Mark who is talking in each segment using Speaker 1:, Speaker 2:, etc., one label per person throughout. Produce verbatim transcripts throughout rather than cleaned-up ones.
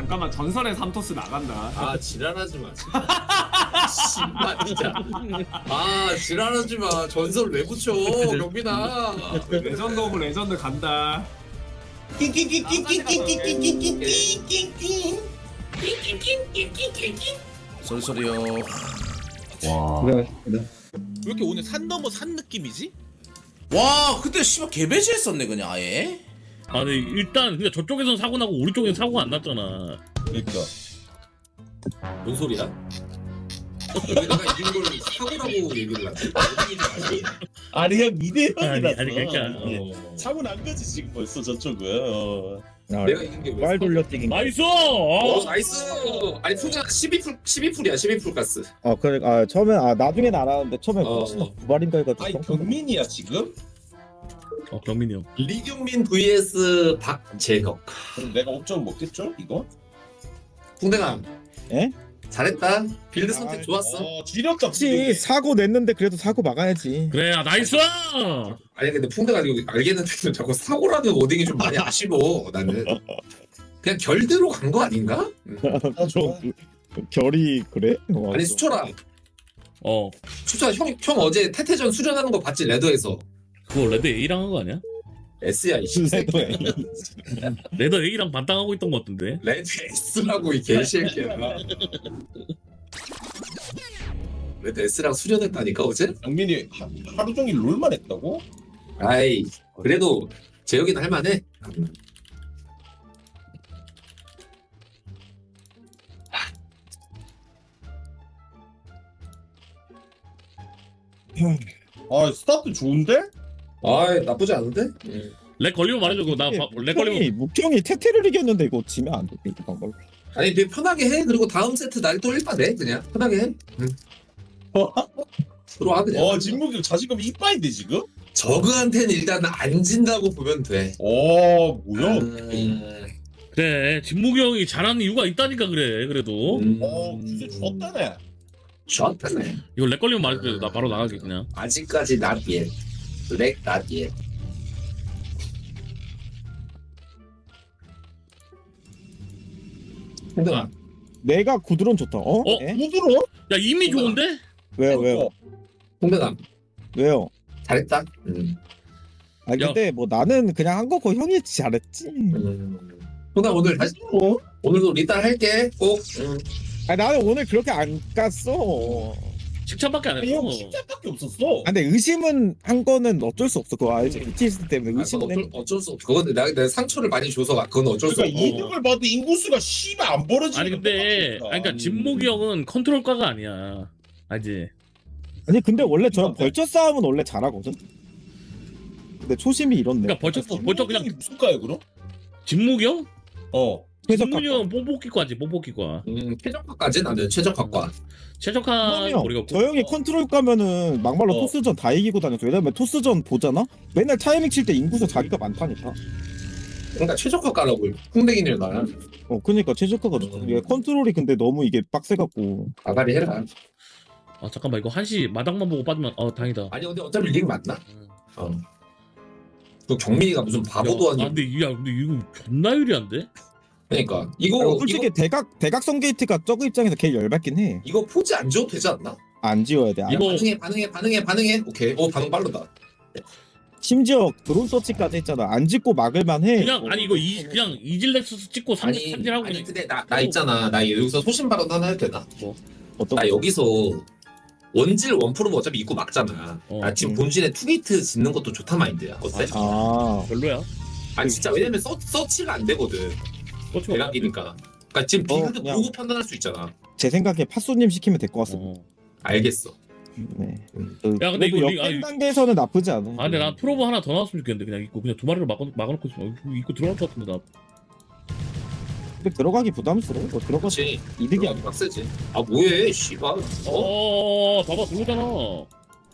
Speaker 1: 잠깐만 전설의 삼토스 나간다.
Speaker 2: 아 지랄하지 마. 씨발 진짜. 아 지랄하지 마. 전설 왜 붙여 경빈아.
Speaker 1: 레전드 오브 레전드 간다.
Speaker 3: 쏠쏠이요.
Speaker 4: 와.
Speaker 5: 그래.
Speaker 6: 왜 이렇게 오늘 산 넘어 산 느낌이지?
Speaker 3: 와 근데 씨발 개배제했었네 그냥 아예.
Speaker 4: 아니 일단 근데 저쪽에선 사고 나고 우리 쪽에는 사고가 안 났잖아.
Speaker 6: 그러니까.
Speaker 2: 뭔 소리야? 왜 내가 이긴 걸 사고라고 얘기를 하지?
Speaker 6: 아니 형 이 대
Speaker 4: 아니,
Speaker 6: 영이라서.
Speaker 4: 아니, 그러니까, 어.
Speaker 6: 사고 난 거지 지금 벌써 저쪽은. 어.
Speaker 2: 내가 이긴 게 왜?
Speaker 5: 말 돌려뛰기.
Speaker 4: 나이스!
Speaker 2: 어
Speaker 4: 어.
Speaker 2: 나이스. 아니 풍자 십이 풀 십이 풀이야 십이 풀 가스.
Speaker 5: 아 그래. 아 처음에 아 나중엔 알았는데 처음에
Speaker 2: 어.
Speaker 5: 혹시나 구발인가 해가지고.
Speaker 6: 아니 경민이야 지금?
Speaker 4: 어 경민이 형.
Speaker 2: 리경민 vs 박재혁.
Speaker 6: 그럼 내가 옵션 먹겠죠 이거?
Speaker 2: 풍대감.
Speaker 5: 에?
Speaker 2: 잘했다. 빌드 선택
Speaker 5: 아,
Speaker 2: 좋았어.
Speaker 6: 어 지렸다.
Speaker 5: 혹시 사고 냈는데 그래도 사고 막아야지.
Speaker 4: 그래 아, 나이스!
Speaker 2: 아니 근데 풍대가 이거 알겠는데 자꾸 사고라는 워딩이 좀 많이 아쉬워. 나는 그냥 결대로 간 거 아닌가? 음.
Speaker 5: 저 결이 그래? 와,
Speaker 2: 아니
Speaker 5: 또.
Speaker 2: 수철아,
Speaker 4: 어
Speaker 2: 수철아 형, 형 어제 태태전 수련하는 거 봤지 레더에서.
Speaker 4: 그거 레드 A랑 한 거 아니야?
Speaker 2: S야 이 새끼.
Speaker 4: 레드 A랑 반땅하고 있던 거 같은데.
Speaker 2: 레드 S라고 이 개새끼야. 레드 S랑 수련했다니까 어제?
Speaker 6: 경민이 하, 하루 종일 롤만 했다고?
Speaker 2: 아이 그래도 재혁이는 할만해.
Speaker 6: 아 스타트 좋은데?
Speaker 2: 아이 나쁘지 않은데?
Speaker 4: 렉 걸리면 말해줘. 그거 나렉 걸리면
Speaker 5: 묵형이 묵형이 태태를 이겼는데 이거 지면 안 돼. 이거 방법.
Speaker 2: 아니 되게 편하게 해. 그리고 다음 세트 날 또 일바 내 그냥 편하게 해. 응. 들어와 그냥.
Speaker 6: 어 진묵이 자신감이 이빠인데 지금?
Speaker 2: 저그한테는 일단 안 진다고 보면 돼.
Speaker 6: 어 뭐야?
Speaker 2: 음,
Speaker 4: 그래 진묵이 형이 잘하는 이유가 있다니까 그래. 그래도
Speaker 2: 음,
Speaker 6: 어 주제 좋았다네.
Speaker 2: 좋았다네.
Speaker 4: 이거 렉 걸리면 말해줘. 나 바로 나가게 그냥.
Speaker 2: 아직까지 not yet. 렉 not yet. 근데
Speaker 4: 아.
Speaker 5: 내가 구드론 좋다. 어?
Speaker 4: 어?
Speaker 5: 에?
Speaker 6: 구드론?
Speaker 4: 야 이미 좋은데?
Speaker 5: 왜요 왜요
Speaker 2: 홍대감
Speaker 5: 왜요?
Speaker 2: 잘했다. 음.
Speaker 5: 아 근데 뭐 나는 그냥 한 거고 형이 잘했지.
Speaker 2: 음. 홍대 오늘 다시 또 오늘도 리딸 할게 꼭. 음.
Speaker 5: 아 나는 오늘 그렇게 안 깠어.
Speaker 4: 칭찬밖에 안
Speaker 6: 아니
Speaker 4: 했어.
Speaker 6: 형 십자밖에 없었어.
Speaker 5: 아, 근데 의심은 한 거는 어쩔 수 없어. 그거 알지? 비티에스 때문에
Speaker 2: 아,
Speaker 5: 의심은
Speaker 2: 어쩔,
Speaker 5: 했...
Speaker 2: 어쩔 수 없어. 그건 내가, 내가 상처를 많이 줘서 그건 어쩔 수
Speaker 6: 그러니까
Speaker 2: 없어.
Speaker 6: 이득을 봐도 인구수가 씨발 안 벌어지는.
Speaker 4: 아니 근데 아니 그러니까 진목이 형은 컨트롤가가 아니야. 알지?
Speaker 5: 아니 근데 원래 저 벌처 싸움은 원래 잘하거든. 근데 초심이 이렇네.
Speaker 4: 그러니까 벌써 벌써 그냥
Speaker 6: 무슨 가요 그럼?
Speaker 4: 진목이 형?
Speaker 6: 어.
Speaker 4: 진목이 형은 뽀뽀기과지 뽀뽀기과.
Speaker 2: 음, 최적화까지 나는 최적화과.
Speaker 4: 최적화
Speaker 5: 형,
Speaker 4: 우리가
Speaker 5: 저 형이 컨트롤 가면은 막말로
Speaker 6: 어.
Speaker 5: 토스전 다 이기고 다녔어. 왜냐면 토스전 보잖아. 맨날 타이밍 칠 때 인구수 자기가 많다니까.
Speaker 2: 그러니까 최적화과라고 홍대기는 나
Speaker 5: 어 그니까 최적화가 좋다.
Speaker 2: 음.
Speaker 5: 이게 컨트롤이 근데 너무 이게 빡세갖고.
Speaker 2: 아가리 해라.
Speaker 4: 아 잠깐만 이거 한시 마당만 보고 빠지면 어 다행이다.
Speaker 2: 아니 근데 어차피 링 맞나? 어. 그 경민이가 무슨 바보도
Speaker 4: 야,
Speaker 2: 아니고.
Speaker 4: 아 근데 이- 야 근데 이거 존나 유리한데?
Speaker 2: 그러니까 이거
Speaker 5: 어, 솔직히
Speaker 2: 이거,
Speaker 5: 대각 대각선 게이트가 저그 입장에서 개 열받긴 해.
Speaker 2: 이거 포즈 안 줘도 되지 않나?
Speaker 5: 안 지워야 돼. 안-
Speaker 4: 이거-
Speaker 2: 반응해 반응해 반응해 반응해. 오케이. 오 반응 빠르다.
Speaker 5: 심지어 드론 서치까지 했잖아. 안 짓고 막을만 해.
Speaker 4: 그냥 아니 이거 이 그냥 이질렉스스 찍고 삼
Speaker 2: 아니
Speaker 4: 삼질하고
Speaker 2: 아니
Speaker 4: 그냥
Speaker 2: 근데 나 나 있잖아. 나 여기서 소신 발언 하나 해도 되나?
Speaker 5: 어떤
Speaker 2: 나 여기서 원질 원프로 어차피 입고 막잖아.
Speaker 4: 어.
Speaker 2: 나 지금 본진에 투게이트 짓는 것도 좋다 마인드야. 어때?
Speaker 5: 아
Speaker 4: 별로야.
Speaker 2: 아니 진짜 왜냐면 서, 서치가 안 되거든.
Speaker 4: 그렇죠.
Speaker 2: 대각이니까. 그러니까 지금
Speaker 5: 어,
Speaker 2: 빌드
Speaker 5: 그냥-
Speaker 2: 보고 판단할 수 있잖아.
Speaker 5: 제 생각에 팥소님 시키면 될 것 같습니다.
Speaker 4: 어.
Speaker 2: 알겠어.
Speaker 5: 네.
Speaker 2: 음.
Speaker 5: 그,
Speaker 4: 야, 근데
Speaker 5: 그래도
Speaker 4: 이거 리-
Speaker 5: 역행
Speaker 4: 아니-
Speaker 5: 단계에서는 나쁘지 않아.
Speaker 4: 아 근데 난 프로브 하나 더 나왔으면 좋겠는데 그냥 입고 그냥 두 마리를 막아 막아놓고 있으면 어, 입고 들어갈 것 같은데 나.
Speaker 5: 근데 들어가기 부담스러워. 뭐 들어가
Speaker 2: 그렇지.
Speaker 5: 이득이
Speaker 2: 이게
Speaker 5: 아니야.
Speaker 2: 빡세지. 아 뭐해? 씨발. 어?
Speaker 4: 어 봐봐 들어오잖아. 어,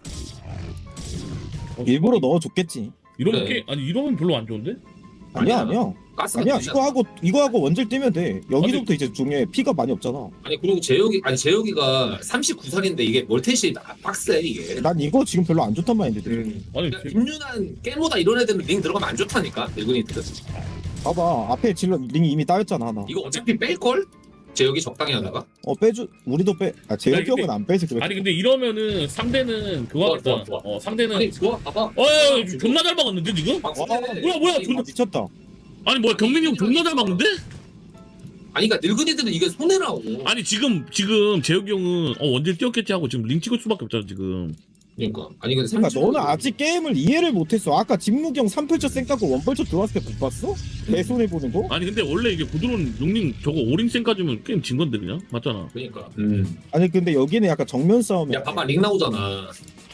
Speaker 5: 일부러 넣어줬겠지.
Speaker 4: 이러면
Speaker 2: 그래.
Speaker 4: 게 아니 이러면 별로 안 좋은데?
Speaker 5: 아니야
Speaker 2: 아니야.
Speaker 5: 아니야.
Speaker 2: 가스가
Speaker 5: 아니야
Speaker 2: 되잖아.
Speaker 5: 이거 하고 이거 하고 원질 뛰면 돼. 여기서부터 이제 중에 피가 많이 없잖아.
Speaker 2: 아니 그리고 재혁이 아니 재혁이가 삼십구 살인데 이게 멀텟이 아, 빡세 이게.
Speaker 5: 난 이거 지금 별로 안 좋단 말인데.
Speaker 2: 음.
Speaker 4: 아니
Speaker 2: 그러니까 김윤환 깨모다 이런 애들은 링 들어가면 안 좋다니까 늙은이들은.
Speaker 5: 봐봐 앞에 질러 링이 이미 따였잖아 하나.
Speaker 2: 이거 어차피 뺄걸? 제 여기 적당히 하다가
Speaker 5: 어 빼주 우리도 빼. 아 제혁이 형은 안 빼서 그래.
Speaker 4: 아니 근데 이러면은 상대는 그거
Speaker 2: 좋아,
Speaker 4: 하겠다.
Speaker 2: 좋아, 좋아.
Speaker 4: 어 상대는
Speaker 2: 아니 좋아 봐봐.
Speaker 4: 어 야, 야, 존나 잘 막았는데 지금?
Speaker 2: 막
Speaker 5: 와,
Speaker 2: 손대네.
Speaker 4: 뭐야, 뭐야,
Speaker 2: 아니,
Speaker 4: 존나
Speaker 5: 아, 미쳤다.
Speaker 4: 아니 뭐야 경민이 형 존나 잘 막는데?
Speaker 2: 아니 그러니까 늙은이들은 이게 손해라고.
Speaker 4: 아니 지금 지금 재혁이 형은 어 원딜 뛰었겠지 하고 지금 링 찍을 수밖에 없잖아 지금.
Speaker 2: 그러니까 아니 근데
Speaker 5: 그러니까
Speaker 2: 삼십오
Speaker 5: 너는 아직 게임을 이해를 못했어. 아까 진무기 형 삼 펄처 쌩까고 원 펄처 들어왔을 때 못 봤어? 내 손해 보는 거?
Speaker 4: 아니 근데 원래 이게 부드러운 용링 저거 오링센까지면 게임 진 건데 그냥 맞잖아.
Speaker 2: 그러니까. 음.
Speaker 5: 아니 근데 여기는 약간 정면 싸움이야.
Speaker 2: 야 봐봐 링 나오잖아.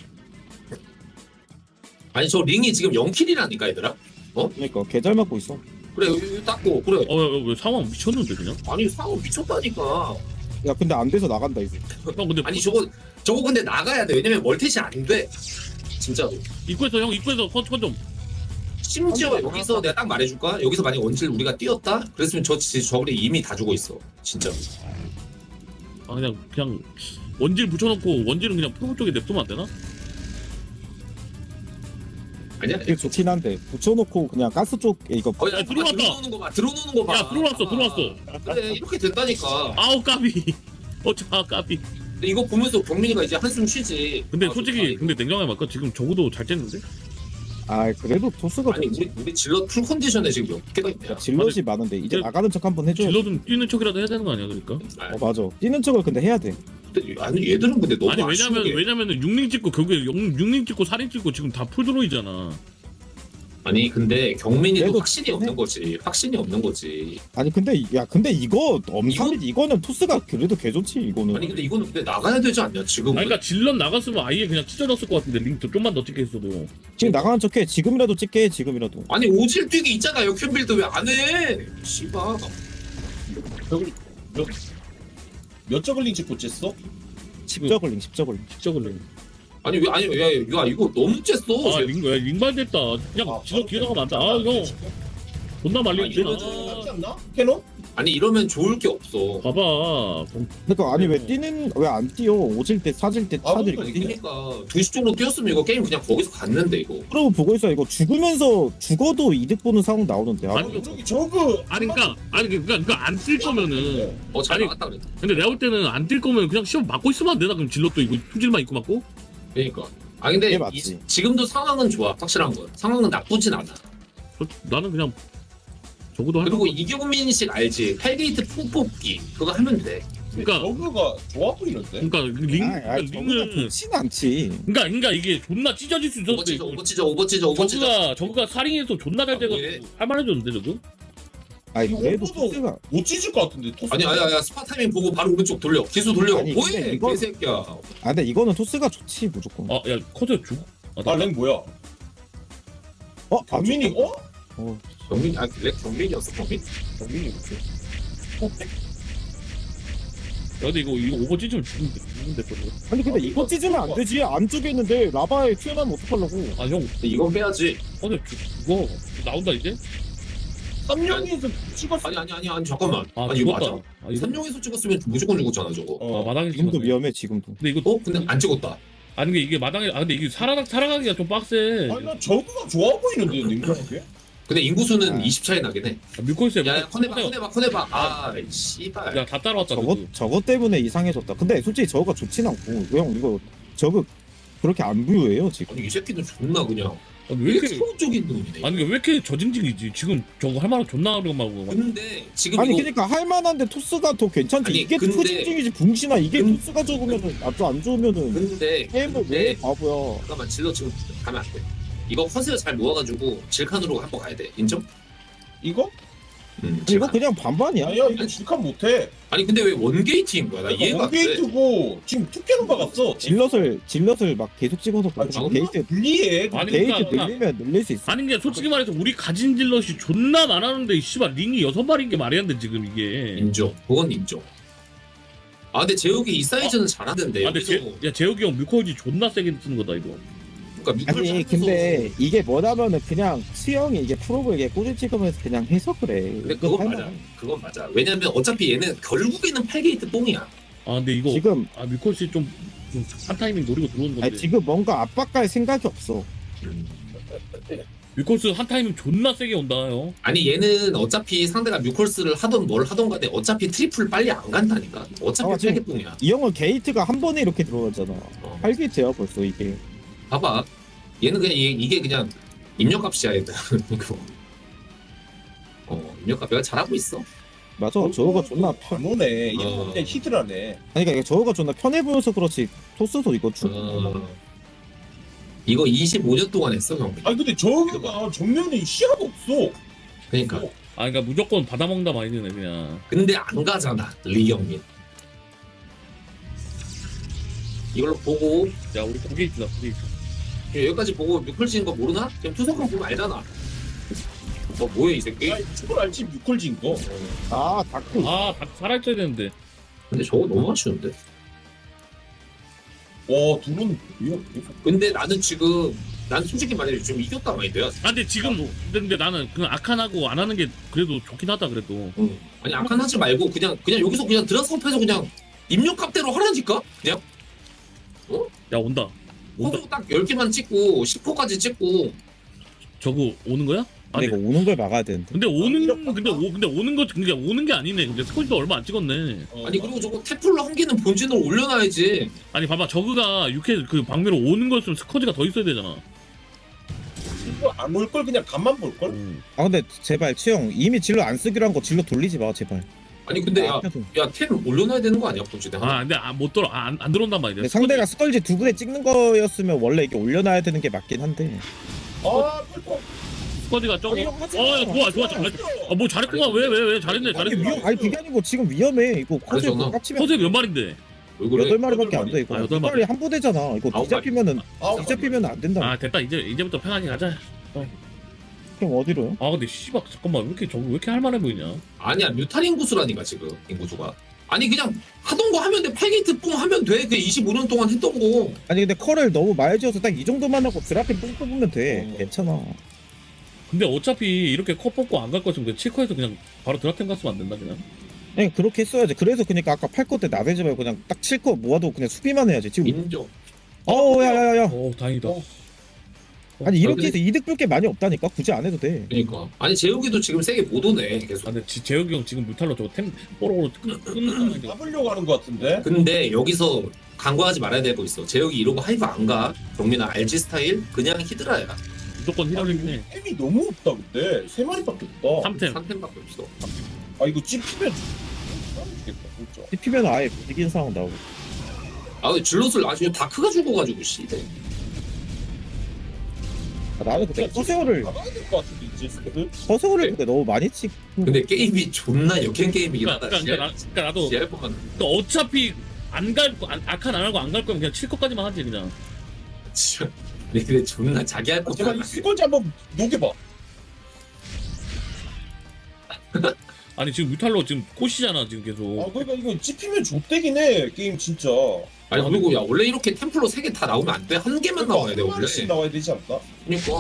Speaker 2: 아니 저 링이 지금 영 킬이라니까 얘들아.
Speaker 5: 그러니까 개 잘 맞고 있어.
Speaker 2: 그래 여기 닦고 그래.
Speaker 4: 어왜 상황 미쳤는데 그냥?
Speaker 2: 아니 상호 미쳤다니까.
Speaker 5: 야 근데 안 돼서 나간다 이제.
Speaker 4: 형 근데
Speaker 2: 아니 저거 저거 근데 나가야 돼. 왜냐면 멀티시 안 돼. 진짜로.
Speaker 4: 입구에서 형 입구에서 컨컨 좀.
Speaker 2: 심지어
Speaker 5: 아니,
Speaker 2: 여기서 내가 딱 말해줄까? 여기서 만약 원질 우리가 뛰었다? 그랬으면 저 지- 저글이 이미 다 죽어 있어. 진짜.
Speaker 4: 아 그냥 그냥 원질 붙여놓고 원질은 그냥 프로 쪽에 냅두면 안 되나?
Speaker 2: 아니야?
Speaker 5: 이게 좋긴 한데 붙여놓고 그냥 가스 쪽에 이거
Speaker 2: 거의
Speaker 4: 야,
Speaker 2: 야,
Speaker 4: 들어왔다.
Speaker 2: 들어오는 거 봐. 들어오는 거 봐.
Speaker 4: 야 들어왔어
Speaker 2: 아,
Speaker 4: 들어왔어.
Speaker 2: 그래 이렇게 된다니까.
Speaker 4: 아우 까비. 어차 까비.
Speaker 2: 근데 이거 보면서 경민이가 이제 한숨 쉬지.
Speaker 4: 근데
Speaker 2: 아,
Speaker 4: 솔직히
Speaker 2: 좋다, 이거.
Speaker 4: 근데 냉정하게 말까 지금 적어도 잘 쨌는데?
Speaker 5: 아 그래도 토스가
Speaker 2: 아니
Speaker 5: 좋지.
Speaker 2: 우리 우리 질러 풀 컨디션에 지금 몇 개가 있냐?
Speaker 5: 질럿이 많은데 이제
Speaker 4: 근데
Speaker 5: 나가는 척 한번 해줘.
Speaker 4: 질러든 뛰는 척이라도 해야 되는 거 아니야 그러니까?
Speaker 2: 아,
Speaker 5: 어 맞아. 뛰는 척을 근데 해야 돼.
Speaker 2: 근데 아니 얘들은 근데 너무
Speaker 4: 아니
Speaker 2: 아쉬운
Speaker 4: 왜냐면
Speaker 2: 게
Speaker 4: 왜냐면은 육링 찍고 결국에 육 링 찍고 사 링 찍고 지금 다 풀드로이잖아.
Speaker 2: 아니 근데 경민이도
Speaker 5: 그래도
Speaker 2: 확신이 없는 거지. 확신이 없는 거지.
Speaker 5: 아니 근데 이- 야 근데 이거 엄삼 이거는 토스가 그래도 개 좋지 이거는.
Speaker 2: 아니 근데 이거는 근데 나가야 되지 않냐 지금?
Speaker 4: 아니 그러니까 질럿 나갔으면 아예 그냥 찢어졌을 것 같은데 링 더- 좀만 더 찍게 했어도.
Speaker 5: 지금 나가는 척해. 지금이라도 찍게 해, 지금이라도.
Speaker 2: 아니 오질 뛰기 있잖아 역현빌드 왜 안 해? 씨발.
Speaker 6: 저글 몇, 몇 저글링 찍고 쨌어?
Speaker 5: 십저글링 십저글링.
Speaker 4: 직접을 링.
Speaker 2: 아니 왜 아니 야, 야 이거 너무 쬐어.
Speaker 4: 아 링, 야, 링발 됐다. 그냥
Speaker 6: 아,
Speaker 4: 질럿 뒤에 나가면 안 돼. 아 형. 존나
Speaker 2: 아,
Speaker 4: 말리겠구나.
Speaker 2: 이러면은-
Speaker 6: 하지 않나? 캐논?
Speaker 2: 아니 이러면 좋을 게 없어.
Speaker 4: 봐봐.
Speaker 5: 그러니까 아니 왜
Speaker 4: 어.
Speaker 5: 뛰는 왜 안 뛰어? 오질 때 사질 때
Speaker 6: 아,
Speaker 5: 차들이
Speaker 6: 그러니까
Speaker 5: 뛰.
Speaker 2: 그러니까 두 시 쪽으로 뛰었으면 이거 게임 그냥 거기서 갔는데 이거.
Speaker 5: 그러고 보고 있어. 이거 죽으면서 죽어도 이득 보는 상황 나오는데. 아,
Speaker 4: 아니,
Speaker 6: 저기 저그
Speaker 4: 아니 그러니까 아니 그러니까 그러니까 안 뛸 거면은
Speaker 2: 어 잘
Speaker 4: 아니,
Speaker 2: 나갔다 그래.
Speaker 4: 근데 내가 볼 때는 안 뛸 거면 그냥 시험 맞고 있으면 안 되나 그럼 질럿도 이거 투질만 입고 맞고?
Speaker 2: 그러니까. 아 근데
Speaker 5: 그게 맞지.
Speaker 2: 이, 지금도 상황은 좋아. 확실한 건. 상황은 나쁘진 않아.
Speaker 4: 저- 나는 그냥 적어도 할
Speaker 2: 그리고 이경민식 알지? 팔 게이트 풍 뽑기 그거 하면 돼.
Speaker 4: 그러니까
Speaker 6: 저그가 좋아 보이는데?
Speaker 4: 그러니까 링
Speaker 5: 아, 아,
Speaker 4: 그러니까
Speaker 5: 저거가
Speaker 4: 링은
Speaker 5: 좋진 않지.
Speaker 4: 그러니까 그러니까 이게 존나 찢어질 수 있었는데
Speaker 2: 오버치자 오버치자 오버치자 오버치자.
Speaker 4: 저그가 저그가 사링에서 존나 잘
Speaker 2: 아,
Speaker 4: 돼가지고
Speaker 2: 왜?
Speaker 4: 할만해졌는데 저거?
Speaker 5: 아니
Speaker 6: 이거
Speaker 5: 그래도
Speaker 6: 오버도-
Speaker 5: 토스가
Speaker 6: 못 찢을 것 같은데 토스.
Speaker 2: 아니 아니 아니 스파 타이밍 보고 바로 오른쪽 돌려. 기수 돌려.
Speaker 5: 아니, 근데
Speaker 2: 뭐해?
Speaker 5: 이거-
Speaker 2: 개새끼야.
Speaker 5: 아 근데 이거는 토스가 좋지 무조건.
Speaker 4: 아야 커져 죽. 아, 나-
Speaker 6: 아랭 뭐야?
Speaker 5: 어? 아,
Speaker 6: 경민이 어?
Speaker 5: 어,
Speaker 2: 경민 아 렉 경민이었어 경민?
Speaker 5: 경민이 그치.
Speaker 4: 야, 근데 이거 이거 오버 찢으면 죽는데 죽는데 거
Speaker 5: 아니 근데 이거 찢으면 안 되지. 안쪽에 있는데 라바에 튀어나오면 어떡하려고.
Speaker 4: 아 형,
Speaker 2: 근데 이건 빼야지.
Speaker 4: 어제 죽어 나온다 이제?
Speaker 6: 삼룡이에서 찍었어.
Speaker 2: 아니 아니 아니 아니 잠깐만.
Speaker 4: 아
Speaker 2: 아니 이거
Speaker 4: 죽었다.
Speaker 2: 맞아?
Speaker 4: 아 이거
Speaker 2: 삼룡에서 찍었으면 무조건 죽었잖아 저거.
Speaker 4: 아
Speaker 6: 어.
Speaker 4: 마당에
Speaker 5: 지금도
Speaker 4: 찍었네.
Speaker 5: 위험해 지금도.
Speaker 4: 근데 이거
Speaker 2: 어? 근데 안 찍었다.
Speaker 4: 아니 이게 이게 마당에 아 근데 이게 살아나 살아가기가 좀 빡세.
Speaker 6: 아니 나 저그가 좋아 보이는데 냉정하게?
Speaker 2: 근데 인구수는
Speaker 5: 아.
Speaker 2: 이십 차이 나긴 해.
Speaker 4: 아, 밀코이스에
Speaker 2: 야야 커내봐 커내봐 커내봐. 아 씨발.
Speaker 4: 야다 따라왔다.
Speaker 5: 저거
Speaker 4: 저거.
Speaker 5: 저거 때문에 이상해졌다. 근데 솔직히 저거가 좋진 않고 형 이거 저거 그렇게 안 부유해요 지금.
Speaker 2: 아니 이 새끼는 존나 그냥
Speaker 4: 아니,
Speaker 2: 왜
Speaker 4: 왜
Speaker 2: 이렇게
Speaker 4: 이렇게
Speaker 2: 소극적인 놈이네.
Speaker 4: 아니 이게 왜 이렇게 저징징이지? 지금 저거 할 만한 존나 어려운하고
Speaker 2: 근데 지금
Speaker 5: 아니
Speaker 2: 이거
Speaker 5: 그러니까 할 만한데 토스가 더 괜찮지.
Speaker 2: 아니,
Speaker 5: 이게
Speaker 2: 근데-
Speaker 5: 토징징이지 붕신아. 이게
Speaker 2: 근-
Speaker 5: 토스가 적으면은 아주 안 좋으면은
Speaker 2: 근데
Speaker 5: 게임을
Speaker 2: 근데
Speaker 5: 왜 바보야.
Speaker 2: 잠깐만 질러 지금 가면 안 돼. 이거 커세어 잘 모아가지고 질칸으로 한번 가야 돼. 인정?
Speaker 6: 이거?
Speaker 2: 음,
Speaker 5: 이거
Speaker 2: 질칸.
Speaker 5: 그냥 반반이야.
Speaker 6: 아니야 이거 질칸 못해.
Speaker 2: 아니 근데 왜 원게이트인 거야? 나 이해가 안 돼.
Speaker 6: 원게이트고 지금 투캐논 박았어.
Speaker 5: 질럿을 질럿을 막 계속 찍어서
Speaker 6: 아,
Speaker 5: 그렇게 게이트
Speaker 6: 불리해.
Speaker 4: 아니,
Speaker 5: 게이트
Speaker 4: 그러니까-
Speaker 5: 늘리면 늘릴 수 있어.
Speaker 4: 아니 게 솔직히 말해서 우리 가진 질럿이 존나 많았는데 씨발 링이 여섯 마리인 게 말이 안 돼 지금 이게.
Speaker 2: 인정. 그건 인정. 아 근데 재욱이 이 사이즈는 잘하던데.
Speaker 4: 아 근데 제,
Speaker 2: 여기서
Speaker 4: 야 재욱이 형 뮤코지 존나 세게 쓰는 거다 이거.
Speaker 2: 그러니까 미끌
Speaker 5: 아니
Speaker 2: 찾아서-
Speaker 5: 근데 이게 뭐냐면은 그냥 수영이 이게 프로브에게 꼬리 찍으면서 그냥 해서 그래.
Speaker 2: 근데 그건 맞아. 그건 맞아. 왜냐면 어차피 얘는 결국에는 팔 게이트 뽕이야.
Speaker 4: 아 근데 이거
Speaker 5: 지금
Speaker 4: 아 뮤코지 좀한 타이밍 노리고 들어오는 건데.
Speaker 5: 아니, 지금 뭔가 압박할 생각이 없어.
Speaker 2: 음.
Speaker 4: 뮤콜스 한 타이밍 존나 세게 온다 형.
Speaker 2: 아니 얘는 어차피 상대가 뮤콜스를 하던 뭘 하던 간에 어차피 트리플 빨리 안 간다니까. 어차피
Speaker 5: 아, 지금-
Speaker 2: 팔개뽕이야.
Speaker 5: 이 형은 게이트가 한 번에 이렇게 들어가잖아.
Speaker 2: 어.
Speaker 5: 팔 게이트야 벌써 이게.
Speaker 2: 봐봐. 얘는 그냥 이게, 이게 그냥 입력값이야 얘들. 이거. 어 입력값 내가 잘하고 있어.
Speaker 5: 맞아. 저거가 존나 편.
Speaker 6: 안 오네. 이거
Speaker 2: 어.
Speaker 6: 그냥 히드라네.
Speaker 5: 아니 그러니까 저거가 존나 편해 보여서 그렇지. 토스도 이거 쭉.
Speaker 2: 어, 이거 이십오 년 동안 했어 형.
Speaker 6: 아니 근데 저기가 정면에 시야가 없어.
Speaker 2: 그러니까.
Speaker 4: 아 그러니까 무조건 받아먹는다 마인드네 그냥.
Speaker 2: 근데 안 가잖아 리경민. 이걸로 보고
Speaker 4: 야 우리 고개 있다 고개 있다.
Speaker 2: 여기까지 보고 뮤클 거 모르나? 그냥 투석만 보면 알잖아. 뭐 뭐야 이 새끼?
Speaker 6: 아니 저걸 알지 뮤컬진 거.
Speaker 5: 아 다크.
Speaker 4: 아 다 살아있어야 되는데.
Speaker 2: 근데 저거 너무 아쉬운데.
Speaker 6: 와 둘은 뭐야?
Speaker 2: 근데 나는 지금 난 솔직히 말해 지금 이겼다 마인드야.
Speaker 4: 아 근데 지금 근데 나는 그냥 아칸하고 안 하는 게 그래도 좋긴 하다 그래도.
Speaker 2: 응. 아니 아칸 하지 말고 그냥 그냥 여기서 그냥 드라스업해서 그냥 입력값대로 하라니까? 그냥
Speaker 4: 야 온다. 온다.
Speaker 2: 호수 딱 열 개만 찍고 십 호까지 찍고
Speaker 4: 저거 오는 거야? 아,
Speaker 5: 근데 이거 오는 걸 막아야 되는데.
Speaker 4: 근데 오는 근데 오 근데 오는 거 그게 오는 게 아니네. 근데 스코지도 얼마 안 찍었네.
Speaker 6: 어,
Speaker 2: 아니 그리고 저거 태플러 한 개는 본진으로 올려놔야지.
Speaker 4: 아니 봐봐 저그가 육 회 그 방미로 오는 거였으면 스커지가 더 있어야 되잖아.
Speaker 6: 이거 안 올 걸 그냥 간만 볼 걸.
Speaker 4: 음.
Speaker 5: 아 근데 제발 치영 이미 진로 안 쓰기로 한 거 진로 돌리지 마 제발.
Speaker 2: 아니 근데 야
Speaker 5: 앞에서.
Speaker 2: 야 템 올려놔야 되는 거 아니야 본진에?
Speaker 4: 아 근데 아, 못 들어 아, 안, 안 들어온단 말이야.
Speaker 5: 근데 상대가 스컬지 두 분에 찍는 거였으면 원래 이게 올려놔야 되는 게 맞긴 한데.
Speaker 6: 아 펄펄.
Speaker 4: 스커지가 저거.
Speaker 5: 아니, 형 하지 마.
Speaker 4: 어 좋아 좋아 좋아. 아뭐 잘했구만 왜 왜 왜 잘했네
Speaker 5: 아니
Speaker 4: 잘했네.
Speaker 5: 위험 아니 그게 아니고 지금 위험해 이거 코스
Speaker 2: 전화.
Speaker 5: 깝치면
Speaker 4: 허세 몇 마리인데?
Speaker 2: 왜 그래?
Speaker 5: 여덟 마리밖에 안 돼 이거.
Speaker 4: 아, 여덟 마리.
Speaker 5: 빨리 한 부대잖아. 이거
Speaker 2: 아홉
Speaker 5: 뒤잡히면은
Speaker 6: 아홉
Speaker 5: 뒤잡히면 안 된다.
Speaker 4: 아 됐다 이제 이제부터 편하게 가자.
Speaker 5: 그럼 어디로요?
Speaker 4: 아 근데 씨발 잠깐만 왜 이렇게 저거 왜 이렇게 할만해 보이냐?
Speaker 2: 아니야 뮤탈 인구수라니까 지금 인구수가. 아니 그냥 하던 거 하면 돼. 팔 게이트 뽕 하면 돼. 그 이십오 년 동안 했던 거.
Speaker 5: 아니 근데 컬을 너무 많이 지어서 딱 이 정도만 하고 드라핀 뽕 뽑으면 돼.
Speaker 6: 어.
Speaker 5: 괜찮아.
Speaker 4: 근데 어차피 이렇게 컵 뽑고 안 갈 거였으면 그냥 칠커에서 그냥 바로 드라템 갔으면 안 된다 그냥.
Speaker 5: 그냥 그렇게 했어야지. 그래서 그러니까 아까 팔 거 때 나대지 말고 그냥 딱 칠 거 모아도 그냥 수비만 해야지. 지금
Speaker 2: 인정.
Speaker 5: 어우 야야야야.
Speaker 4: 오 다행이다.
Speaker 6: 어.
Speaker 5: 아니 이렇게
Speaker 2: 근데-
Speaker 5: 해서 이득 볼 게 많이 없다니까. 굳이 안 해도 돼.
Speaker 2: 그러니까. 아니 재욱이도 지금 세게 못 오네 계속.
Speaker 4: 아 근데 지- 재혁이 형 지금 뮤탈로 저거 템 뽀로로 끊- 끊는 상황인데.
Speaker 6: 잡으려고 하는 것 같은데.
Speaker 2: 근데 여기서 간과하지 말아야 될 거 있어. 재욱이 이러고 하이브 안 가. 경민아 알지 스타일? 그냥 히드라야.
Speaker 4: 무조건 히럴링 해.
Speaker 6: 템이 너무 없다 근데 세 마리밖에 없다.
Speaker 4: 삼 템.
Speaker 2: 삼 템밖에 없어.
Speaker 6: 아 이거 찝히면 죽겠다 진짜.
Speaker 5: 찝히면 아예 이긴 상황 나오고.
Speaker 2: 아 근데 질럿을 아주 다크가 죽어가지고 씨.
Speaker 5: 아, 나는 그때 커세어를
Speaker 6: 나가야 될 것 같은데 이제 스쿼드.
Speaker 5: 커세어를 근데 너무 많이 찍.
Speaker 2: 근데 게임이 존나 역행 게임이긴
Speaker 4: 그러니까,
Speaker 2: 하다.
Speaker 4: 그러니까, 나, 그러니까 나도
Speaker 2: 씨알 뻔한.
Speaker 4: 그러니까 어차피 안 갈 거 안- 아칸 안 하고 안 갈 거면 그냥 칠 것까지만 하지 그냥.
Speaker 2: 진짜. 근데 존나 자기 할
Speaker 6: 아, 제가 이
Speaker 2: 것만.
Speaker 6: 스쿼드 한번 녹여봐.
Speaker 4: 아니 지금 뮤탈로 지금 코시잖아 지금 계속.
Speaker 6: 아 그러니까 이거 찝히면 좆대긴 해 게임 진짜.
Speaker 2: 아니 그리고 야 원래 이렇게 템플러 세 개 다 나오면 안 돼. 한 개만 나와야 돼
Speaker 6: 한
Speaker 2: 원래.
Speaker 6: 마리씩 나와야 되지 않나?
Speaker 2: 그러니까.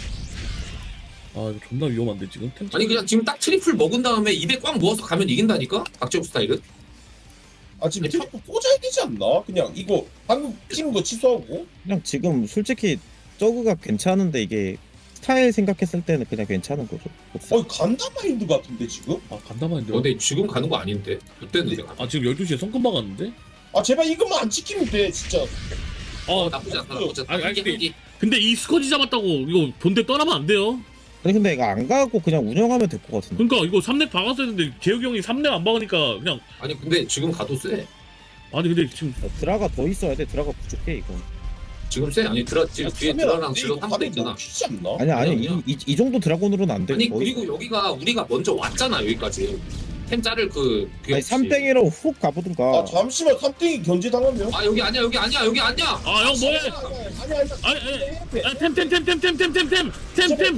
Speaker 4: 아 이거 존나 위험한데 지금 템.
Speaker 2: 아니 그냥 지금 딱 트리플 먹은 다음에 입에 꽉 모아서 가면 이긴다니까? 박재욱 스타일은?
Speaker 6: 아 지금 자꾸 꽂아야 되지 않나? 그냥 이거 방금 찍은 거 취소하고.
Speaker 5: 그냥 지금 솔직히 저그가 괜찮은데 이게 스타일 생각했을 때는 그냥 괜찮은 거죠.
Speaker 6: 어 간다 마인드 같은데 지금?
Speaker 4: 아 간다마인데.
Speaker 2: 어, 근데 지금 가는 거 아닌데? 그때는 내가.
Speaker 4: 아 지금 열두 시에 성큼 박았는데?
Speaker 6: 아 제발 이것만 안 지키면 돼 진짜.
Speaker 4: 아
Speaker 2: 나쁘지 않다 나쁘지 않다.
Speaker 4: 아니, 아니,
Speaker 2: 한 개,
Speaker 4: 근데-
Speaker 2: 한 개.
Speaker 4: 근데 이 스커지 잡았다고 이거 본대 떠나면 안 돼요.
Speaker 5: 아니 근데 이거 안 가고 그냥 운영하면 될 것 같은데.
Speaker 4: 그러니까 이거 삼 렙 박았어야 되는데 재혁이 형이 삼 렙 안 박으니까 그냥.
Speaker 2: 아니 근데 지금 가도 세.
Speaker 4: 아니 근데 지금
Speaker 5: 어, 드라가 더 있어야 돼. 드라가 부족해 이거.
Speaker 2: 지금 세. 아니 드라 지금 뒤에 드라랑 질럿 한 대 있잖아.
Speaker 6: 튀지 않나?
Speaker 5: 아니 아니
Speaker 2: 아니야.
Speaker 5: 이, 이, 이 정도 드라곤으로는 안 돼.
Speaker 2: 아니
Speaker 5: 거의.
Speaker 2: 그리고 여기가 우리가 먼저 왔잖아 여기까지. 템 자를 그 그게
Speaker 5: 아니
Speaker 2: 없이.
Speaker 5: 삼땡이로 훅 가보든가.
Speaker 6: 아 잠시만 삼땡이 견제 당하면.
Speaker 2: 아 여기 아니야 여기 아니야 여기 아니야.
Speaker 4: 아 형 뭐해?
Speaker 6: 아니 아니
Speaker 4: 아니 아니 템템템템템템템템템템템템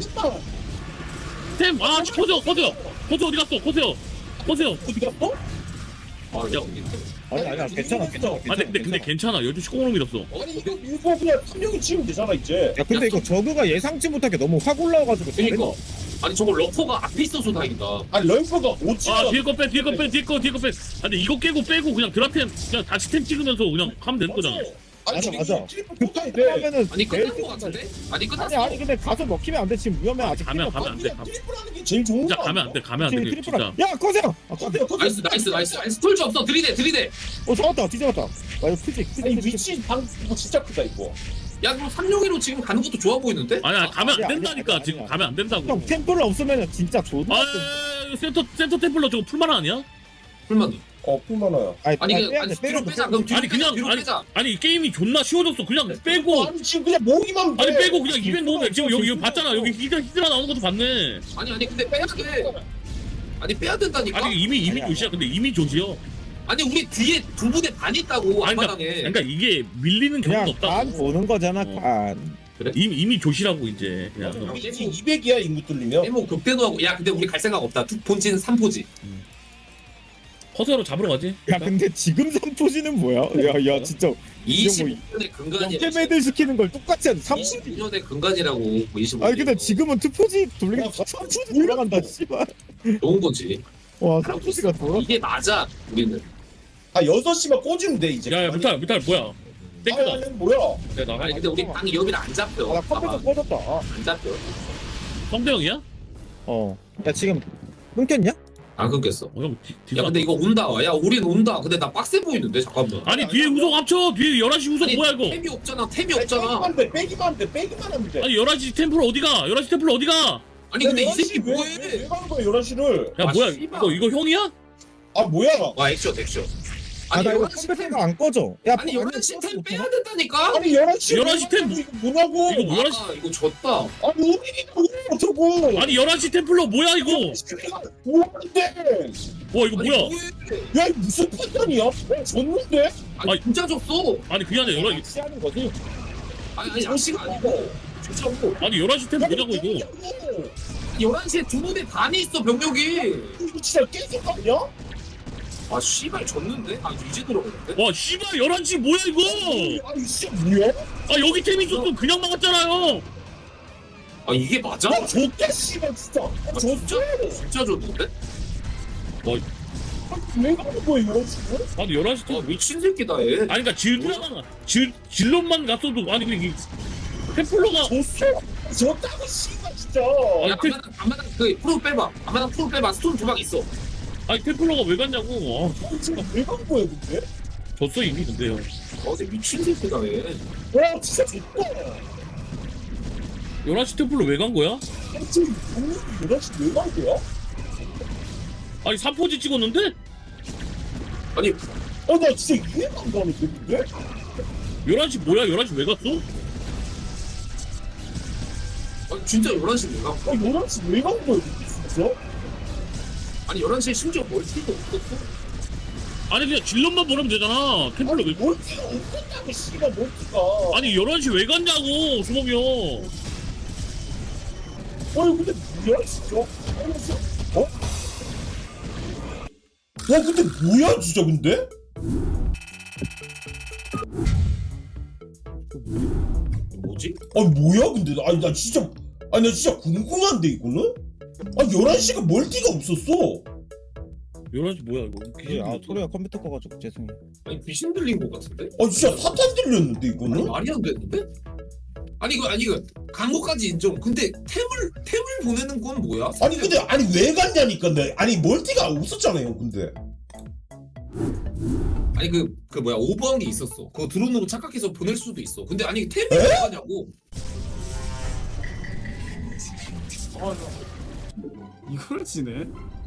Speaker 4: 아 코세요 코세요 코세 어디 갔어 코세요 코세요.
Speaker 6: 어디 갔어?
Speaker 2: 아 여기.
Speaker 5: 아니 아니 괜찮아 괜찮아.
Speaker 4: 아 근데 근데, 근데 괜찮아 열두 시 꽁으로 밀었어.
Speaker 6: 아니 이거 이거 그냥 한 명이 치면 되잖아 이제.
Speaker 5: 야 근데 이거 저그가 예상치 못하게 너무 확 올라와가지고
Speaker 2: 그러니까. 아니 저거 러퍼가 앞에 있어서 다행이다.
Speaker 6: 아니 럴퍼가 오지.
Speaker 4: 아 뒤에 거 빼 뒤에 거 빼 뒤에 거 뒤에 거 빼. 아 근데 이거 깨고 빼고 그냥 드라템 그냥 다시 템 찍으면서 그냥 하면 되는 거잖아.
Speaker 2: 아니
Speaker 5: 맞아,
Speaker 2: 지금
Speaker 5: 맞아.
Speaker 6: 트리플
Speaker 5: 그
Speaker 6: 꽂아야 돼.
Speaker 5: 하면은
Speaker 2: 아니 끝난
Speaker 5: 내일
Speaker 2: 거 같은데? 아니 끝났어.
Speaker 5: 아니 아니 근데 가서 먹히면 안 돼. 지금 위험해 아직.
Speaker 4: 가면
Speaker 5: 필요
Speaker 4: 가면 안 돼. 가면.
Speaker 6: 트리플 하는 게 제일 좋은
Speaker 4: 진짜
Speaker 6: 거
Speaker 4: 가면 안 돼. 가면 안 돼.
Speaker 5: 없지.
Speaker 4: 그게
Speaker 5: 트리플.
Speaker 4: 진짜.
Speaker 5: 야 꺼져. 아 꺼져.
Speaker 2: 나이스 나이스 나이스 나이스 툴즈 없어 들이대 들이대.
Speaker 5: 어 잡았다. 뒤잡았다. 아 이거 크지 크지
Speaker 6: 아니
Speaker 5: 크지.
Speaker 6: 위치 방 이거 진짜 크다 이거.
Speaker 2: 야 그럼 삼룡이로 지금 가는 것도 좋아 보이는데?
Speaker 4: 아니 아니 가면 안
Speaker 5: 아니야,
Speaker 4: 된다니까.
Speaker 5: 아니야,
Speaker 4: 지금
Speaker 5: 아니야.
Speaker 4: 가면 안 된다고.
Speaker 5: 형 템플러 없으면 진짜 존나.
Speaker 4: 아 센터 센터 템플러 저거 풀만 아니야?
Speaker 2: 불만.
Speaker 6: 어 풀만화야.
Speaker 5: 아니
Speaker 2: 아니
Speaker 5: 아니
Speaker 2: 그
Speaker 5: 빼야
Speaker 2: 아니
Speaker 5: 돼.
Speaker 2: 뒤로
Speaker 5: 빼야
Speaker 2: 빼자.
Speaker 5: 돼.
Speaker 2: 그럼 뒤로
Speaker 4: 아니
Speaker 2: 빼자,
Speaker 4: 그냥
Speaker 2: 뒤로
Speaker 4: 아니,
Speaker 2: 빼자.
Speaker 4: 아니 게임이 존나 쉬워졌어. 그냥 빼고
Speaker 6: 아니 지금 그냥 모으기만 돼.
Speaker 4: 아니 빼고 그냥 이벤트 모으면 지금 여기 여기 봤잖아. 여기 히드라 히드라 나오는 것도 봤네.
Speaker 2: 아니 아니 근데 빼야 돼. 아니 빼야 된다니까.
Speaker 4: 아니 이미 이미
Speaker 5: 아니야,
Speaker 4: 조시야. 근데 이미 조시요.
Speaker 2: 아니 우리 뒤에 두 분의 반 있다고
Speaker 4: 아니, 그러니까,
Speaker 2: 앞마당에.
Speaker 4: 그러니까 이게 밀리는 경우가
Speaker 5: 그냥
Speaker 4: 없다고.
Speaker 5: 간 보는 거잖아.
Speaker 4: 어.
Speaker 5: 간.
Speaker 4: 이미 이미 조시라고 이제. 그냥.
Speaker 6: 우리 지금 이백이야 인구 뚫리면.
Speaker 2: 해모 극대노하고 야 근데 우리 갈 생각 없다. 두- 본진 삼 포지.
Speaker 4: 허세로 잡으러 가지.
Speaker 5: 야 근데 지금 삼포지는 뭐야? 야야 진짜
Speaker 2: 이십오 년의 근간이.
Speaker 5: 역대매들 시키는 걸 똑같이 한 삼십.
Speaker 2: 이십이 년의 근간이라고 이십오.
Speaker 5: 아니 근데 지금은 투포지 돌리기 삼포지 돌아간다 씨발.
Speaker 2: 좋은 거지.
Speaker 5: 와 삼포지가 돌아.
Speaker 2: 이게 맞아 우리는.
Speaker 6: 아 여섯 시만 꽂으면 돼 이제.
Speaker 4: 야야 무탈 무탈 뭐야? 땡크다.
Speaker 6: 아, 뭐야?
Speaker 4: 내 나가.
Speaker 2: 아니 근데 우리 방이 여기는 안 잡혀.
Speaker 5: 아나 컴퓨터
Speaker 2: 봐봐.
Speaker 5: 꺼졌다. 아,
Speaker 2: 안 잡혀.
Speaker 4: 성대형이야?
Speaker 5: 어. 야 지금 끊겼냐?
Speaker 2: 안 끊겼어.
Speaker 4: 어, 형 뒤,
Speaker 2: 야
Speaker 4: 뒤로
Speaker 2: 근데 이거 온다. 야 우린 온다. 근데 나 빡세 보이는데 잠깐만.
Speaker 4: 아니 뒤에 우석 합쳐. 뒤에 열한 시 우석
Speaker 2: 아니,
Speaker 4: 뭐야 이거?
Speaker 2: 템이 없잖아. 템이
Speaker 6: 아니,
Speaker 2: 없잖아.
Speaker 6: 빼기만 돼 빼기만 돼 빼기만 하면 돼.
Speaker 4: 아니 열한 시 템플 어디가? 열한 시 템플 어디가?
Speaker 2: 아니 근데 이
Speaker 6: 열한 시
Speaker 2: 새끼
Speaker 6: 왜-
Speaker 2: 뭐해?
Speaker 6: 왜, 왜 가는 거야 열한 시를?
Speaker 4: 야
Speaker 2: 아,
Speaker 4: 뭐야
Speaker 2: 씨발.
Speaker 4: 이거 이거 형이야?
Speaker 6: 아 뭐야?
Speaker 2: 와 액션 액션. 아니
Speaker 5: 아나 이거
Speaker 2: 열한 시 템.
Speaker 5: 컴퓨터가 안 꺼져. 야
Speaker 2: 아니 열한 시 템 빼야 된다니까.
Speaker 6: 아니 열한 시
Speaker 4: 열한 시 템-
Speaker 6: 이거 뭐냐고?
Speaker 4: 이거 뭐야?
Speaker 2: 아 이거 졌다.
Speaker 6: 아니 우리 어쩌고?
Speaker 4: 아니 열한 시 템플러 뭐야 이거?
Speaker 6: 뭐한데?
Speaker 4: 와 이거
Speaker 2: 아니,
Speaker 4: 뭐야?
Speaker 2: 뭐해?
Speaker 6: 야 이거 무슨 판단이야? 어, 졌는데?
Speaker 2: 아니
Speaker 4: 아니,
Speaker 2: 진짜 졌어.
Speaker 4: 아니 그게 아니라 열한
Speaker 6: 하는 거지?
Speaker 2: 아니 아니 양식 아니고 진짜고.
Speaker 4: 아니 열한 시 템 뭐냐고 이거?
Speaker 2: 열한 시에 두 분의 반이 있어 병력이.
Speaker 6: 이거 진짜 깨질 거 아니야?
Speaker 2: 아 씨발 졌는데? 아 이제 들어가는데?
Speaker 4: 와 씨발 열한 시 뭐야 이거?
Speaker 6: 아니 진짜 뭐야?
Speaker 4: 아 여기 템 있었으면 그냥 막았잖아요.
Speaker 2: 아 이게 맞아?
Speaker 6: 나 졌다 씨발 진짜. 아,
Speaker 2: 아,
Speaker 6: 졌어.
Speaker 2: 진짜 진짜 졌는데?
Speaker 6: 왜 가는 거야 이런 식으로?
Speaker 4: 아니 열한 시
Speaker 2: 아
Speaker 4: 템
Speaker 2: 미친 새끼다 얘.
Speaker 4: 아니 그니까 질드라만 질 질럿만 갔어도 아니 근데 이 템플러가
Speaker 6: 졌어. 졌다고 씨발 진짜.
Speaker 2: 야
Speaker 4: 아니, 그-
Speaker 2: 앞마당 앞마당 그 프로 빼봐. 앞마당 프로 빼봐. 스톤 두 방 있어.
Speaker 4: 아니 템플러가 왜 갔냐고. 아,
Speaker 6: 진짜 왜간 거야 근데?
Speaker 4: 졌어 이미 근데요.
Speaker 2: 어 근데 미친 새끼다 얘.
Speaker 6: 와 진짜 졌다.
Speaker 4: 열한 시 템플러 왜 간 거야?
Speaker 6: 지금 분명히 열한 시 왜간 거야?
Speaker 4: 아니 삼 포지 찍었는데?
Speaker 2: 아니
Speaker 6: 어 나 진짜 이해가 안 가는데 근데?
Speaker 4: 열한 시 뭐야? 열한 시 왜 갔어?
Speaker 2: 아니 진짜 열한 시 내가.
Speaker 6: 아 열한 시 왜간 거야 근데 진짜?
Speaker 2: 아니 열한 시에 심지어 멀티도 없었어.
Speaker 4: 아니 그냥 질럿만 보내면 되잖아. 템플러 왜?
Speaker 6: 멀티가 없었다고 씨발 멀티가.
Speaker 4: 아니 열한 시 왜 갔냐고 수범이 형.
Speaker 6: 아니 근데 뭐야 진짜? 아니 진짜 어? 와 근데 뭐야 진짜 근데?
Speaker 2: 뭐지?
Speaker 6: 아니 뭐야 근데 나- 아니 나 진짜 아니 나 진짜 궁금한데 이거는? 아니 열한 시가 멀티가 없었어.
Speaker 4: 열한 시 뭐야 이거? 귀신
Speaker 5: 아
Speaker 4: 들렸어.
Speaker 5: 토레가 컴퓨터 꺼가지고 죄송해.
Speaker 2: 아니 귀신 들린 것 같은데?
Speaker 6: 아 진짜 사탄 들렸는데
Speaker 2: 아니
Speaker 6: 이거는?
Speaker 2: 말이 안 되는데? 아니 이거 아니 이거 강호까지 인정. 근데 템을 템을 보내는 건 뭐야?
Speaker 6: 아니 근데 아니 왜 갔냐니까 내 아니 멀티가 없었잖아요 근데.
Speaker 2: 아니 그 그 뭐야 오버한 게 있었어. 그거 드론으로 착각해서 보낼 수도 있어. 근데 아니 템이 왜 가냐고?
Speaker 1: 이걸 지네?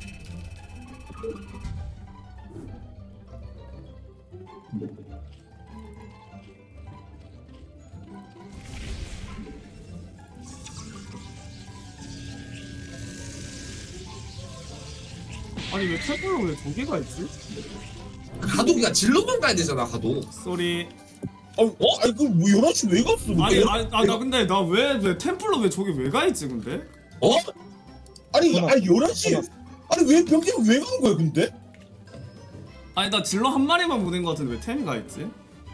Speaker 1: 아니 왜 템플러 왜 두 개가 있지?
Speaker 2: 가도기가 질러만 가야 되잖아 가도.
Speaker 1: 쏘리.
Speaker 6: 아니 어? 아니 그뭐 열한 시 왜 갔어 근데?
Speaker 1: 아니 아니 아, 나 근데 나 왜 왜 템플러 왜 저기 왜 가 있지 근데?
Speaker 2: 어?
Speaker 6: 아니
Speaker 5: 전화.
Speaker 6: 아니 열한 시 아니 왜 병기가 왜 가는 거야 근데?
Speaker 1: 아니 나 질러 한 마리만 보낸 거 같은데 왜 템이 가 있지?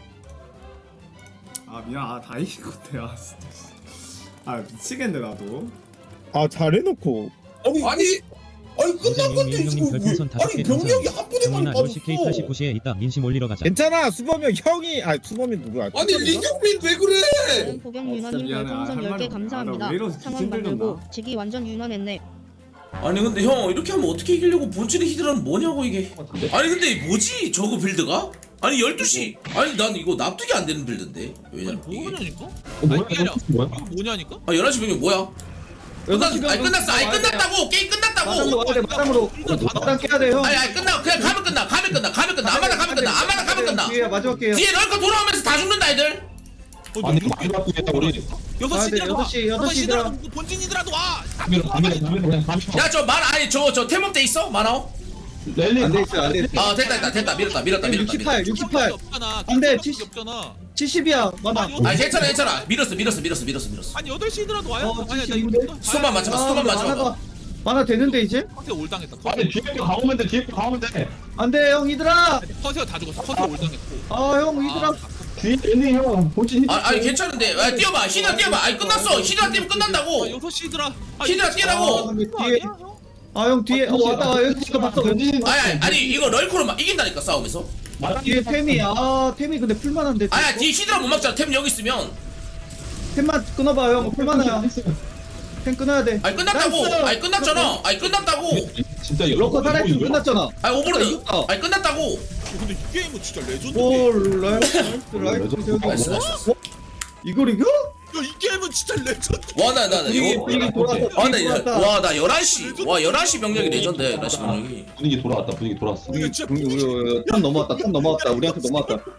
Speaker 1: 아 미안 아 다 이긴 건데 아 진짜 아 미치겠네 나도.
Speaker 5: 아 잘해놓고.
Speaker 6: 아니
Speaker 2: 아니
Speaker 6: 아니 끝난 건데 지금 왜? 아니 병력이 한 분에 많이
Speaker 7: 케이
Speaker 6: 빠졌어.
Speaker 7: 팔십구 시에 있다. 민심 올리러 가자.
Speaker 5: 괜찮아 수범이 형이 아 수범이 누구야?
Speaker 2: 아니 리경민 왜 그래?
Speaker 8: 보경
Speaker 1: 어,
Speaker 8: 유나님
Speaker 1: 진짜 미안해.
Speaker 8: 별풍선
Speaker 1: 아, 할
Speaker 8: 열 개
Speaker 1: 말이 없네.
Speaker 8: 감사합니다.
Speaker 1: 아, 나왜 이러지?
Speaker 8: 상황
Speaker 1: 힘들렸나?
Speaker 8: 만들고 지기 완전 유난했네.
Speaker 3: 아니 근데 형 이렇게 하면 어떻게 이기려고 본질의 히드라는 뭐냐고 이게. 아니 근데 뭐지 저거 빌드가? 아니 열두 시 아니 난 이거 납득이 안 되는 빌드인데 왜냐면 이게
Speaker 9: 뭐냐니까?
Speaker 2: 뭐야?
Speaker 9: 아니, 아니라
Speaker 2: 뭐야?
Speaker 9: 이거 뭐냐니까?
Speaker 3: 아 열한 시 병력 뭐야? 끝났, 아니 끝났어 아니 끝났다고 게임 끝났다고
Speaker 9: 마담으로
Speaker 10: 마당 깨야 돼 형.
Speaker 3: 아니 아니 끝나 그냥 가면 끝나 가면 끝나 가면 끝나 아마나 가면 끝나 아마나 가면 끝나
Speaker 10: 뒤에 마지막 게요.
Speaker 3: 뒤에 럴커 돌아오면서 다 죽는다 애들
Speaker 2: 아니 이거 많이 바꾸겠다 우리.
Speaker 9: 여섯
Speaker 10: 아, 네,
Speaker 9: 시더라도 와.
Speaker 10: 여섯 시, 여섯
Speaker 9: 여섯 시더라도
Speaker 10: 시더라.
Speaker 9: 뭐 본진이더라도 와.
Speaker 2: 가면 가면 가면 그냥 가면.
Speaker 3: 야 저 만 아니 저거 저 태몽대 있어? 만화오?
Speaker 2: 랠리
Speaker 10: 안돼 있어 안돼 있어.
Speaker 3: 아 됐다 됐다 됐다 밀었다 밀었다 밀었다 밀었다
Speaker 10: 육십팔 육십팔
Speaker 9: 없잖아.
Speaker 10: 안 돼,
Speaker 9: 안
Speaker 10: 칠십.
Speaker 9: 없잖아.
Speaker 10: 칠십이야 많아.
Speaker 3: 아니 괜찮아 괜찮아 밀었어 밀었어 밀었어 밀었어 밀었어
Speaker 9: 아니 여덟 시더라도 와요.
Speaker 10: 어,
Speaker 9: 아니 나
Speaker 10: 칠십인데?
Speaker 9: 이거
Speaker 3: 수만 맞춰봐 수만 맞춰봐
Speaker 10: 많아 많아 되는데 이제?
Speaker 9: 커세어 올당했다.
Speaker 2: 아니 뒤에 거 가오면 돼 뒤에 거 가오면 돼.
Speaker 10: 안돼 형 이들아.
Speaker 9: 커세어 다 죽었어. 커세어 올당했고.
Speaker 10: 아 형 이들아.
Speaker 2: 뒤에 있는 형 본진.
Speaker 3: 아, 아니 괜찮은데 아, 뛰어봐 히드라 뛰어봐 아니 끝났어 히드라 뛰면 끝난다고
Speaker 9: 아 여섯 시더라.
Speaker 3: 히드라
Speaker 10: 아
Speaker 3: 뛰라고
Speaker 10: 근데 뒤에 아 형 뒤에 어 왔다 여기 지금 봤어.
Speaker 3: 아니 아니, 아니 이거 럴코로 막 이긴다니까 싸움에서
Speaker 10: 뒤에 템이 아 템이 근데 풀만한데.
Speaker 3: 아야 뒤에 히드라 못 막잖아 템 여기 있으면
Speaker 10: 템만 끊어봐 형 풀만해야. 템 끊어야 돼.
Speaker 3: 아니 끝났다고
Speaker 10: 나이스.
Speaker 3: 아니 끝났잖아 아니 끝났다고
Speaker 2: 진짜
Speaker 10: 럭커 살아있으면 끝났잖아.
Speaker 3: 아니 오버로드
Speaker 10: 이겼다.
Speaker 3: 아니 끝났다고
Speaker 9: 근데 이 게임은 진짜 레전드.
Speaker 10: 오 라이트 라이트
Speaker 3: 나이스 나이스
Speaker 10: 이걸 이겨?
Speaker 9: 야이 게임은 진짜 레전드.
Speaker 3: 와나나
Speaker 10: 분위기
Speaker 3: 이거
Speaker 10: 분위기 돌아왔다. 분위기 돌아왔다.
Speaker 3: 와나 열한 시 와 열한 시 병력이 레전드야 열한 시 병력이
Speaker 2: 분위기 돌아왔다 분위기 돌아왔어.
Speaker 9: 이거 진짜
Speaker 10: 우리 우리 탑 넘어왔다 탑 넘어왔다 우리한테 넘어왔다. 야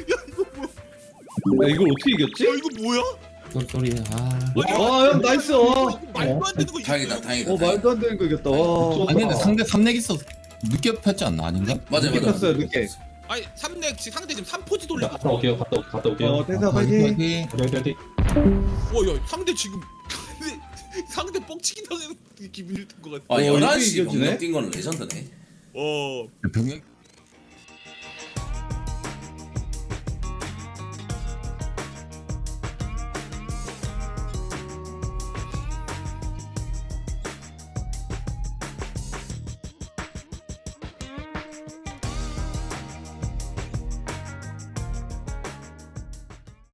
Speaker 10: 이걸 어떻게 이겼지?
Speaker 9: 야 이거 뭐야?
Speaker 10: 와형 나이스 와.
Speaker 9: 말도 안 되는 거.
Speaker 3: 다행이다 다행이다
Speaker 10: 어 말도 안 되는 거 이겼다 와.
Speaker 2: 아니, 근데
Speaker 11: 상대 삼렉 있어 늦게 폈지 않나 아닌가?
Speaker 3: 맞아
Speaker 10: 늦게
Speaker 3: 맞아
Speaker 10: 폈어요 늦게.
Speaker 9: 아니 삼렉 상대 지금 삼 포지 돌리고.
Speaker 2: 갔다 올게요 갔다 올- 갔다 올게요.
Speaker 10: 어 대사 파이팅.
Speaker 2: 화이팅 화이팅.
Speaker 9: 와야 상대 지금 근데 상대 뻥치기 당하는 기분이 든것 같아.
Speaker 3: 아
Speaker 10: 어,
Speaker 3: 열한
Speaker 10: 이게
Speaker 3: 시
Speaker 10: 이겨지네?
Speaker 3: 병력 뛴 거는 레전드네
Speaker 9: 어.
Speaker 11: 병력